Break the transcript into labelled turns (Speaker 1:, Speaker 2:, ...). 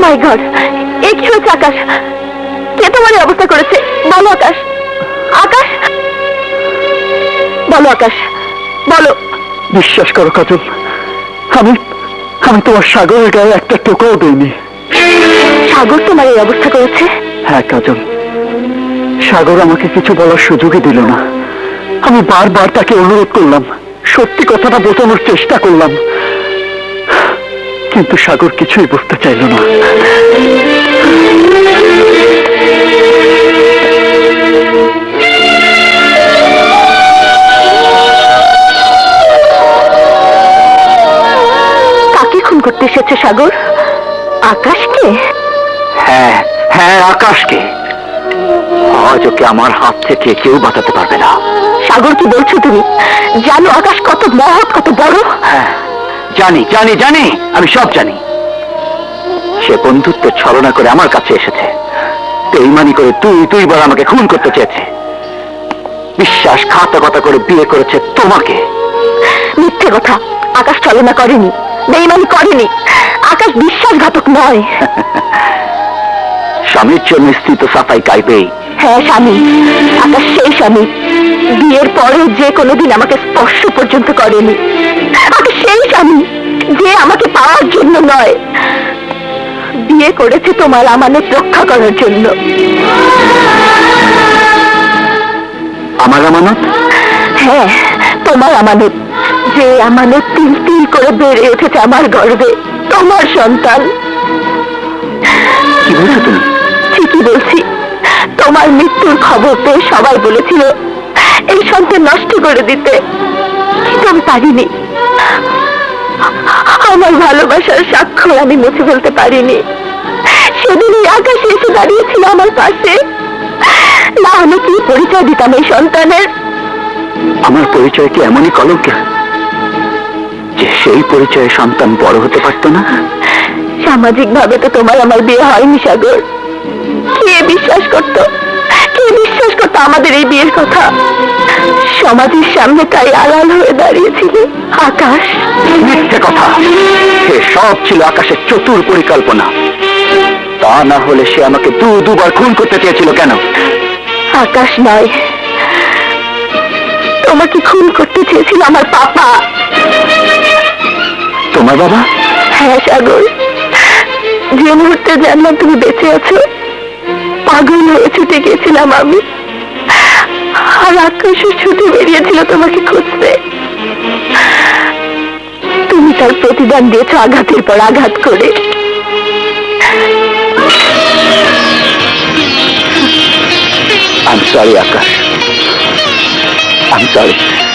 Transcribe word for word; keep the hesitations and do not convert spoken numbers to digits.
Speaker 1: মাই god, এ কি হচ্ছে আকাশ? কে তোমার এই অবস্থা করেছে? বলো আকাশ, আকাশ বলো, আকাশ বলো।
Speaker 2: বিশ্বাস করো কাজল, আমি আমি তোমার সাগরের গায়ে একটা টোকাও দিইনি।
Speaker 1: সাগর তোমার এই অবস্থা করেছে?
Speaker 2: হ্যাঁ কাজল, সাগর আমাকে কিছু বলার সুযোগই দিল না। আমি বারবার তাকে অনুরোধ করলাম, সত্যি কথাটা বোঝানোর চেষ্টা করলাম, কিন্তু সাগর কিছুই বুঝতে চাইল না।
Speaker 1: কাকে খুন করতে এসেছে সাগর? আকাশকে?
Speaker 2: হ্যাঁ হ্যাঁ, আকাশকে। আজ ওকে আমার হাত থেকে কেউ বাঁচাতে পারবে না।
Speaker 1: সাগর, কি বলছো তুমি? জানো আকাশ কত মহৎ, কত বড়?
Speaker 2: হ্যাঁ জানি জানি জানি, আমি সব জানি। সে বন্ধুত্ব ছলনা করে আমার কাছে এসেছে, বেঈমানি করে তুই দুইবার আমাকে খুন করতে চেয়েছে, বিশ্বাসঘাতকতা করে বিয়ে করেছে তোমাকে।
Speaker 1: মিথ্যে কথা, আকাশ ছলনা করেনি, বেঈমানি করেনি। আকাশ বিশ্বাসঘাতক নয়।
Speaker 2: স্বামীর জন্য স্ত্রী তো সাফাই গাইবেই।
Speaker 1: হ্যাঁ স্বামী, আকাশ সেই স্বামী, বিয়ের পরে যে কোনোদিন আমাকে স্পর্শ পর্যন্ত করেনি। আকাশ সেই স্বামী যে আমাকে পাওয়ার জন্য নয়, বিয়ে করেছে তোমার আমানত রক্ষা করার জন্য।
Speaker 2: আমার আমানত?
Speaker 1: হ্যাঁ, তোমার আমানত, যে আমানত তিল তিল করে বেড়ে উঠেছে আমার গর্ভে, তোমার সন্তান।
Speaker 2: কি বলছো তুমি?
Speaker 1: ঠিকই বলছি। তোমার মৃত্যুর খবর পেয়ে সবাই বলেছিল এই সন্তান নষ্ট করে দিতে, কিন্তু আমি পারিনি। আমার ভালোবাসার স্বাক্ষর আমি মুছে ফেলতে পারিনি। সেদিন এই আকাশে এসে দাঁড়িয়েছিল আমার পাশে, না আমি কি পরিচয় দিতাম এই সন্তানের?
Speaker 2: আমার পরিচয় কি এমনই কলঙ্কের যে সেই পরিচয়ে সন্তান বড় হতে পারত না?
Speaker 1: সামাজিক ভাবে তো তোমার আমার বিয়ে হয়নি সাগর। কে বিশ্বাস করতো, কে বিশ্বাস করতো আমাদের এই বিয়ের কথা? সমাজের সামনে তাই আড়াল হয়ে দাঁড়িয়েছিল আকাশ।
Speaker 2: মিথ্যে কথা, সে সব ছিল আকাশের চতুর পরিকল্পনা। তা না হলে সে আমাকে দু দুবার খুন করতে চেয়েছিল কেন?
Speaker 1: আকাশ নয়, তোমাকে খুন করতে চেয়েছিল আমার পাপা।
Speaker 2: তোমার বাবা?
Speaker 1: হ্যাঁ সাগর, যে মুহূর্তে জানলাম তুমি বেঁচে আছো, পাগল হয়ে ছুটে গিয়েছিলাম আমি। আর আকাশও ছুটে বেরিয়েছিল তোমাকে খুঁজতে। তুমি তার প্রতিদান দিয়েছ আঘাতের পর আঘাত করে।
Speaker 2: I'm sorry, Akash, I'm sorry.